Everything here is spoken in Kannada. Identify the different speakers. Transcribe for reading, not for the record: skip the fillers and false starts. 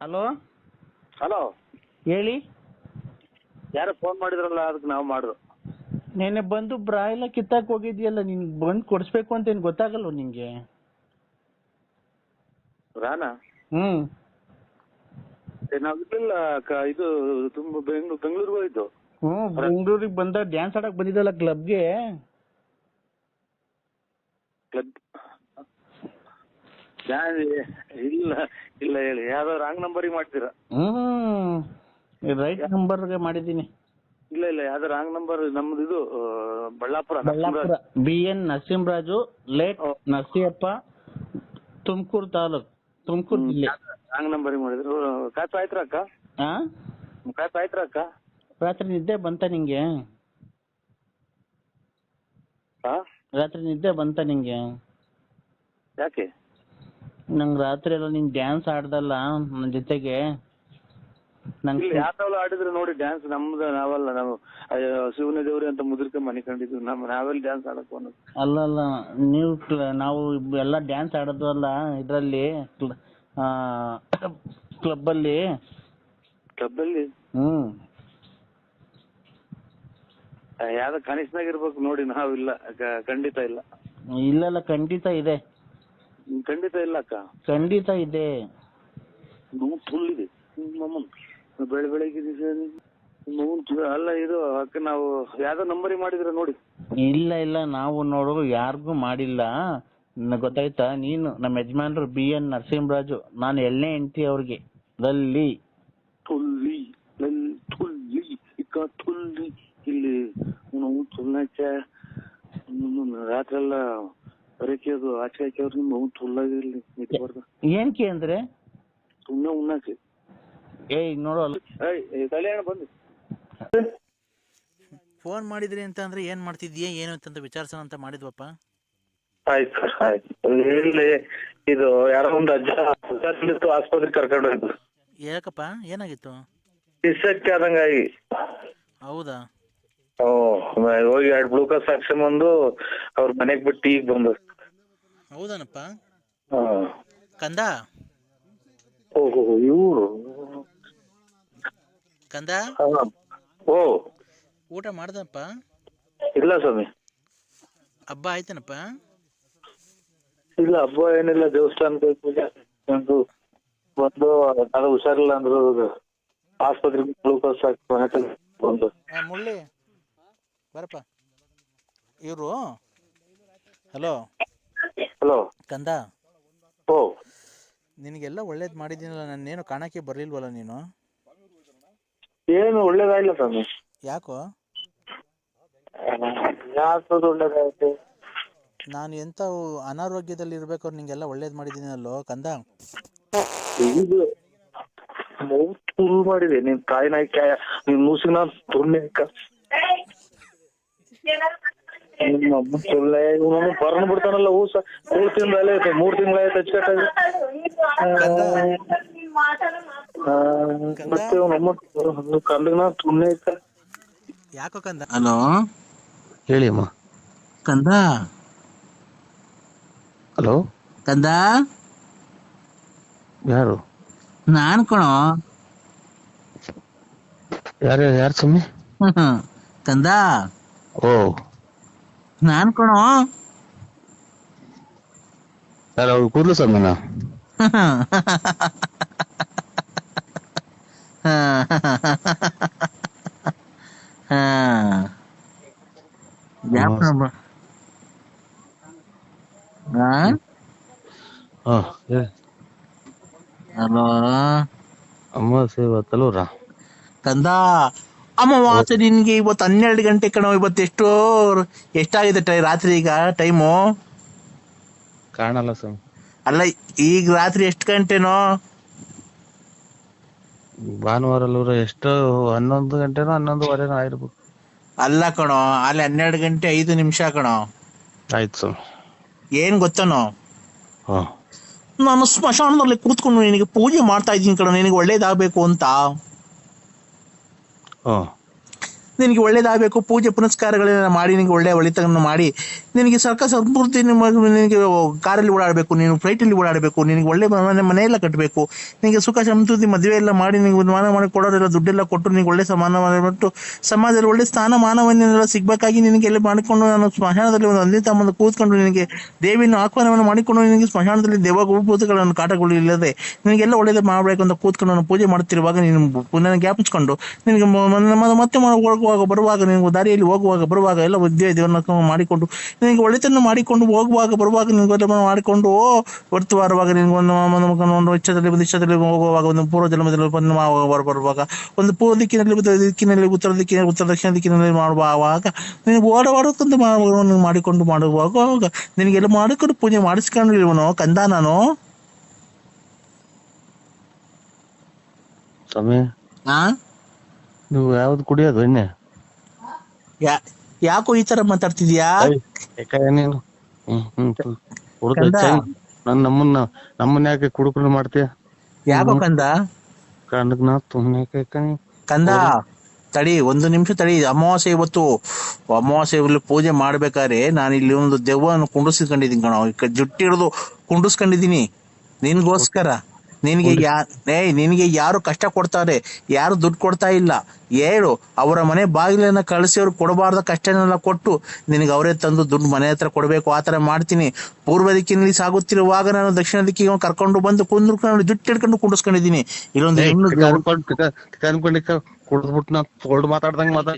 Speaker 1: ಹಲೋ
Speaker 2: ಹಲೋ,
Speaker 1: ಹೇಳಿ.
Speaker 2: ಯಾರೋ ಫೋನ್ ಮಾಡಿದ್ರಲ್ಲ, ಅದಕ್ಕೆ ನಾವು ಮಾಡಿದ್ರು.
Speaker 1: ನೆನ್ನೆ ಬಂದು ಬ್ರಾ ಎಲ್ಲ ಕಿತ್ತಾಕ್ ಹೋಗಿದ್ಯಲ್ಲ, ನಿನ್ ಬಂದು ಕೊಡಿಸ್ಬೇಕು ಅಂತ ಏನು ಗೊತ್ತಾಗಲ್ವ ನಿಂಗೆ?
Speaker 2: ರಾನಾ
Speaker 1: ಹ್ಮ್
Speaker 2: ನಾವು ಇರ್ಲಿಲ್ಲ ಇದು ತುಂಬ ಬೆಂಗಳೂರಿಗೆ ಹೋಯ್ತು.
Speaker 1: ಬೆಂಗಳೂರಿಗೆ ಬಂದ ಡ್ಯಾನ್ಸ್ ಆಡಕ್ ಬಂದಿದ್ದಲ್ಲ ಕ್ಲಬ್ಗೆ.
Speaker 2: ಕ್ಲಬ್ ಇಲ್ಲ ಇಲ್ಲ, ಹೇಳಿ. ಯಾವ್ದೋ ರಾಂಗ್ ನಂಬರಿಗೆ ಮಾಡ್ತೀರಾ?
Speaker 1: ರೈಟ್ ನಂಬರ್ಗೆ ಮಾಡಿದ್ದೀನಿ.
Speaker 2: ಇಲ್ಲ ಇಲ್ಲ, ಯಾವ್ದೋ ರಾಂಗ್ ನಂಬರ್. ನಮ್ದು ಇದು ಬಳ್ಳಾಪುರ.
Speaker 1: BN ನರಸಿಂಹರಾಜು, ಲೇಟ್ ನರಸಿಯಪ್ಪ, ತುಮಕೂರು ತಾಲೂಕ್, ತುಮಕೂರು ಜಿಲ್ಲೆ.
Speaker 2: ರಾಂಗ್ ನಂಬರಿಗೆ ಮಾಡಿದ್ರು. ಕಾಸು ಆಯ್ತ್ರ ಅಕ್ಕ? ಕಾಸು ಆಯ್ತ್ರ ಅಕ್ಕ?
Speaker 1: ರಾತ್ರಿ ನಿದ್ದೆ ಬಂತ ನಿಂಗೆ? ರಾತ್ರಿ ನಿದ್ದೆ ಬಂತ ನಿಂಗೆ?
Speaker 2: ಯಾಕೆ?
Speaker 1: ನಂಗೆ ರಾತ್ರಿ ಎಲ್ಲ ನೀನ್ ಡ್ಯಾನ್ಸ್ ಆಡ್ದಲ್ಲ ನನ್ನ ಜೊತೆಗೆ.
Speaker 2: ಯಾವ್ದಾವ್ ಆಡಿದ್ರು ನೋಡಿ ಡ್ಯಾನ್ಸ್. ನಮ್ದು ನಾವಲ್ಲ, ನಾವು ಶಿವನ ದೇವ್ರಿ ಅಂತ ಮುದ್ರಿಕೆ ಮನೆ ಕಂಡಿದ್ವಿ. ನಾವೆಲ್ಲಿ ಡ್ಯಾನ್ಸ್ ಆಡಕ್ ಅನ್ನೋದು.
Speaker 1: ಅಲ್ಲ ನಾವು ಎಲ್ಲ ಡ್ಯಾನ್ಸ್ ಆಡೋದ್ವಲ್ಲ ಇದ್ರಲ್ಲಿ, ಕ್ಲಬ್ ಅಲ್ಲಿ.
Speaker 2: ಯಾವ್ದ ಕನಿಷ್ಠನಾಗ ಇರ್ಬೇಕು ನೋಡಿ. ನಾವಿಲ್ಲ, ಖಂಡಿತ ಇಲ್ಲ.
Speaker 1: ಇಲ್ಲ ಖಂಡಿತ ಇದೆ.
Speaker 2: ಖಂಡಿತ ಇಲ್ಲ ಅಕ್ಕ,
Speaker 1: ಖಂಡಿತ ಇದೆ.
Speaker 2: ಫುಲ್ ಇದೆ ಬೆಳಗ್ಗೆ ಅಲ್ಲ ಇದು ಅಕ್ಕ. ನಾವು ಯಾವ್ದೋ ನಂಬರಿ ಮಾಡಿದ್ರ ನೋಡಿ.
Speaker 1: ಇಲ್ಲ ನಾವು ನೋಡು ಯಾರಿಗೂ ಮಾಡಿಲ್ಲ. ಗೊತ್ತಾಯ್ತಾ? ನೀನು ನಮ್ಮ ಯಜಮಾನ್ರು BN ನರಸಿಂಹರಾಜು, ನಾನು ಎಳ್ಳೆ ಹೆಂಡತಿ ಅವ್ರಿಗೆ.
Speaker 2: ಇಲ್ಲಿ ರಾತ್ರಿ ಎಲ್ಲ ಬರಕೆ ಅದು ಆಚೆ ಹಾಕಿ ನಿಮ್ ತುಲ್ಲಾಗಿರ್ಲಿ ನಿಂತ್ಬಾರ್ದು.
Speaker 1: ಏನ್ಕೆ ಅಂದ್ರೆ
Speaker 2: ಸುಮ್ನೆ ಉಣ್ಣಾಕೆ.
Speaker 1: ನೋಡಲ್ಲ
Speaker 2: ಕಲ್ಯಾಣ ಬಂದು
Speaker 3: ಫೋನ್ ಮಾಡಿದ್ರಿ ಅಂತ ಅಂದ್ರೆ ಏನ್ ಮಾಡ್ತಿದ್ಯಾ ಏನು ಅಂತ ವಿಚಾರಿಸೋಣ ಅಂತ ಮಾಡಿದ್ವಪ್ಪ.
Speaker 2: ಆಯ್ತು ಸರ್, ಆಯ್ತು. ಇಲ್ಲಿ ಇದು ಯಾರೋ ಒಂದು ಅಜ್ಜ ಆಸ್ಪತ್ರೆಗೆ ಕರ್ಕೊಂಡು ಹೋಯ್ತು.
Speaker 3: ಯಾಕಪ್ಪ, ಏನಾಗಿತ್ತು?
Speaker 2: ಇಸಕ್ಕೆ ಆದಂಗಾಗಿ.
Speaker 3: ಹೌದಾ?
Speaker 2: ಹೋಗಿ 2 ಗ್ಲೂಕೋಸ್ ಹಾಕ್ಸ್ಕೊಂಬಂದು ಅವ್ರ ಮನೆಗ್ ಬಿಟ್ಟು ಈಗ ಬಂದು.
Speaker 3: ಹೌದಾನಪ್ಪ? ಕಂದ
Speaker 2: ಇವ್ರು
Speaker 3: ಕಂದ ಊಟ ಮಾಡ್ದಪ್ಪ?
Speaker 2: ಇಲ್ಲ ಸ್ವಾಮಿ.
Speaker 3: ಹಬ್ಬ ಆಯ್ತೇನಪ್ಪ?
Speaker 2: ಇಲ್ಲ, ಹಬ್ಬ ಏನಿಲ್ಲ. ದೇವಸ್ಥಾನಕ್ಕೆ ಪೂಜೆ ಬಂದು ಅದು ಹುಷಾರಿಲ್ಲ ಅಂದ್ರು ಆಸ್ಪತ್ರೆಗೆ ಗ್ಲೂಕೋಸ್ ಹಾಕಿ ಬಂದು.
Speaker 3: ಮುಳ್ಳಿ ಬರಪ್ಪ. ಇವರು ಹಲೋ ಕಂದ, ನಿನಗೆಲ್ಲ ಒಳ್ಳೇದ್ ಮಾಡಿದ್ದೀನಲ್ಲ, ನಾನೇನು ಕಾಣಕ್ಕೆ ಬರ್ಲಿಲ್ವಲ್ಲ ನೀನು?
Speaker 2: ಏನು ಒಳ್ಳೇದಾಗಿಲ್ಲ ಸ್ವಾಮಿ.
Speaker 3: ಯಾಕೋ?
Speaker 2: ಒಳ್ಳೇದಾಯ್ತು.
Speaker 3: ನಾನು ಎಂತ ಅನಾರೋಗ್ಯದಲ್ಲಿ ಇರ್ಬೇಕಾದ್ರೆ ನಿಂಗೆಲ್ಲ ಒಳ್ಳೇದ್ ಮಾಡಿದ್ದೀನಲ್ಲೋ ಕಂದ.
Speaker 2: ಫುಲ್ ಮಾಡಿದೆ ನೀನ್ ಕಾಯಿ ನಾಯ್ಕ ನೀನ್ ಮೂಸಿನ ತುರ್ನೆ ಬರ್ನ್ ಬಿಡ್ತಾನಲ್ಲ. 3 ತಿಂಗಳಾಯ್ತು, 3 ತಿಂಗಳಾಯ್ತು ಹಚ್ಕಟ್ಟಾಗಿ. ಮತ್ತೆ ಕಲ್ಲಿನ ತುರ್ನೆ ಇತ್ತ.
Speaker 3: ಯಾಕೋ ಕಂದ? ಹಲೋ
Speaker 1: ಹೇಳಿ ಅಮ್ಮ.
Speaker 3: ಕಂದ,
Speaker 1: ಹಲೋ
Speaker 3: ಕಂದ.
Speaker 1: ಯಾರು?
Speaker 3: ನಾನ್ ಕಣೋ.
Speaker 1: ಯಾರು ಸುಮ್ಮನೆ?
Speaker 3: ಕಂದ, ನಾನ್ ಕಣೋ.
Speaker 1: ಅವ್ರು ಕೂರ್ಲು ಸ್ವಾಮಿನ?
Speaker 3: ಹಲೋ
Speaker 1: ಅಮಾವಾಸ್ಯೆ ಇವತ್ತಲ್ವರ?
Speaker 3: ಕಂದ, ಅಮಾವಾಸ್ಯೆ ನಿನ್ಗೆ ಇವತ್ತು 12 ಗಂಟೆ ಕಣೋ. ಇವತ್ತು ಎಷ್ಟಾಗಿದೆ ರಾತ್ರಿ ಈಗ ಟೈಮು?
Speaker 1: ಕಾಣಲ್ಲ ಸ್ವಾಮಿ.
Speaker 3: ಅಲ್ಲ, ಈಗ ರಾತ್ರಿ ಎಷ್ಟು ಗಂಟೆನೋ?
Speaker 1: ಭಾನುವಾರ ಎಷ್ಟು 11 ಗಂಟೆನೋ 11:15 ಆಗಿರ್ಬೇಕು.
Speaker 3: ಅಲ್ಲ ಕಣೋ, ಅಲ್ಲಿ 12 ಗಂಟೆ 5 ನಿಮಿಷ ಕಣೋ.
Speaker 1: ಆಯ್ತು ಸ್ವಾಮಿ.
Speaker 3: ಏನ್ ಗೊತ್ತನೋ, ನಾನು ಸ್ಮಶಾನದಲ್ಲಿ ಕೂತ್ಕೊಂಡು ನಿನಗೆ ಪೂಜೆ ಮಾಡ್ತಾ ಇದ್ದೀನಿ ಕಣೋ, ನಿನಗೆ ಒಳ್ಳೇದಾಗಬೇಕು ಅಂತ. ನಿನಗೆ ಒಳ್ಳೇದಾಗಬೇಕು, ಪೂಜೆ ಪುನಸ್ಕಾರಗಳನ್ನ ಮಾಡಿ ನಿನಗೆ ಒಳ್ಳೆ ಒಳಿತನ್ನು ಮಾಡಿ ನಿನಗೆ ಸರ್ಕಾರ ಸಂಪೂರ್ತಿ ನಿನಗೆ ಕಾರಲ್ಲಿ ಓಡಾಡಬೇಕು, ನೀನು ಫ್ಲೈಟಲ್ಲಿ ಓಡಾಡಬೇಕು, ನಿನಗೆ ಒಳ್ಳೆ ಮನೆಯೆಲ್ಲ ಕಟ್ಟಬೇಕು, ನಿನಗೆ ಸುಖ ಸಮೃದ್ಧಿ ಮದುವೆ ಎಲ್ಲ ಮಾಡಿ ನಿನಗೆ ಮಾನ ಮಾಡಿ ಕೊಡೋರೆಲ್ಲ ದುಡ್ಡೆಲ್ಲ ಕೊಟ್ಟು ನಿನಗೆ ಒಳ್ಳೆ ಸಮಾನ ಮಾಡಿಬಿಟ್ಟು ಸಮಾಜದಲ್ಲಿ ಒಳ್ಳೆ ಸ್ಥಾನಮಾನವನ್ನೆಲ್ಲ ಸಿಗ್ಬೇಕಾಗಿ ನಿನಗೆ ಎಲ್ಲ ಮಾಡಿಕೊಂಡು ನಾನು ಸ್ಮಶಾನದಲ್ಲಿ ಒಂದು ಒಂದೇ ತಮ್ಮಂದು ಕೂತ್ಕೊಂಡು ನಿನಗೆ ದೇವಿಯನ್ನು ಆಹ್ವಾನವನ್ನು ಮಾಡಿಕೊಂಡು ನಿನಗೆ ಸ್ಮಶಾನದಲ್ಲಿ ದೇವಭೂತಗಳನ್ನು ಕಾಟಗಳು ಇಲ್ಲದೆ ನಿನಗೆಲ್ಲ ಒಳ್ಳೇದು ಮಾಡಬೇಕು ಅಂತ ಕೂತ್ಕೊಂಡು ನಾನು ಪೂಜೆ ಮಾಡುತ್ತಿರುವಾಗ ನೀನು ಪುನಃ ಜ್ಞಾಪಿಸ್ಕೊಂಡು ನಿನಗೆ ಮತ್ತೆ ಹೋಗುವಾಗ ಬರುವಾಗ ನಿನಗೆ ದಾರಿಯಲ್ಲಿ ಹೋಗುವಾಗ ಬರುವಾಗ ಎಲ್ಲ ದೇವರನ್ನ ಮಾಡಿಕೊಂಡು ನಿನಗೆ ಒಳ್ಳೆತನ್ನು ಮಾಡಿಕೊಂಡು ಹೋಗುವಾಗ ಬರುವಾಗ ನಿನಗೆ ಮಾಡಿಕೊಂಡು ಹೊರತು ಬರುವಾಗ ನಿನಗೆ ಒಂದು ಇಚ್ಛದಲ್ಲಿ ಹೋಗುವಾಗ ಒಂದು ಪೂರ್ವ ಜನ್ಮದಲ್ಲಿ ಬರುವಾಗ ಒಂದು ಪೂರ್ವ ದಿಕ್ಕಿನಲ್ಲಿ ಉತ್ತರ ದಕ್ಷಿಣ ದಿಕ್ಕಿನಲ್ಲಿ ಮಾಡುವಾಗ ನಿನಗೆ ಓಡಾಡೋಕ್ಕಂತ ಮಾಡಿಕೊಂಡು ಮಾಡುವಾಗ ನಿನಗೆಲ್ಲ ಮಾಡಿಕೊಂಡು ಪೂಜೆ ಮಾಡಿಸ್ಕೊಂಡಿರುವನು ಕಂದ ನಾನು.
Speaker 1: ಸ್ವಾಮಿ
Speaker 3: ಆ
Speaker 1: ನೀವು ಯಾವ್ದು ಕುಡಿಯೋದು ಎಣ್ಣೆ?
Speaker 3: ಯಾಕೋ ಈ ತರ ಮಾತಾಡ್ತಿದ್ಯಾ?
Speaker 1: ನೀನು ನಮ್ಮನ್ನ ಯಾಕೆ ಕುಡುಕರು ಮಾಡ್ತೀಯ?
Speaker 3: ಯಾಕೋ ಕಂದ? ಕಂದ ತಡಿ, ಒಂದು ನಿಮಿಷ ತಡಿ. ಅಮಾವಾಸ್ಯೆ ಇವತ್ತು, ಅಮಾವಾಸ್ಯೆಯಲ್ಲಿ ಪೂಜೆ ಮಾಡ್ಬೇಕಾದ್ರೆ ನಾನು ಇಲ್ಲಿ ಒಂದು ದೆವ್ವವನ್ನು ಕುಂಡಿಸ್ಕೊಂಡಿದ್ದೀನಿ ಕಣ, ಜುಟ್ಟಿ ಹಿಡಿದು ಕುಂಡಿಸ್ಕೊಂಡಿದ್ದೀನಿ ನಿನ್ಗೋಸ್ಕರ. ನಿನಗೆ ಯಾರು ಕಷ್ಟ ಕೊಡ್ತಾರೆ, ಯಾರು ದುಡ್ಡು ಕೊಡ್ತಾ ಇಲ್ಲ, ಹೇಳು. ಅವರ ಮನೆ ಬಾಗಿಲನ್ನ ಕಳಿಸಿ ಅವ್ರು ಕೊಡಬಾರ್ದ ಕಷ್ಟನೆಲ್ಲ ಕೊಟ್ಟು ನಿನಗೆ ಅವರೇ ತಂದು ದುಡ್ಡು ಮನೆ ಹತ್ರ ಕೊಡಬೇಕು, ಆತರ ಮಾಡ್ತೀನಿ. ಪೂರ್ವ ದಿಕ್ಕಿನಲ್ಲಿ ಸಾಗುತ್ತಿರುವಾಗ ನಾನು ದಕ್ಷಿಣ ದಿಕ್ಕಿಗೆ ಕರ್ಕೊಂಡು ಬಂದು ಕುಂದ್ಕೊಂಡು ಜುಟ್ಟು ಹಿಡ್ಕೊಂಡು ಕುಂಡಿಸ್ಕೊಂಡಿದ್ದೀನಿ. ಇಲ್ಲೊಂದು
Speaker 1: ಕುಡಿದ್ಬಿಟ್ಟು ನಾ ಮಾತಾಡ್ದಂಗ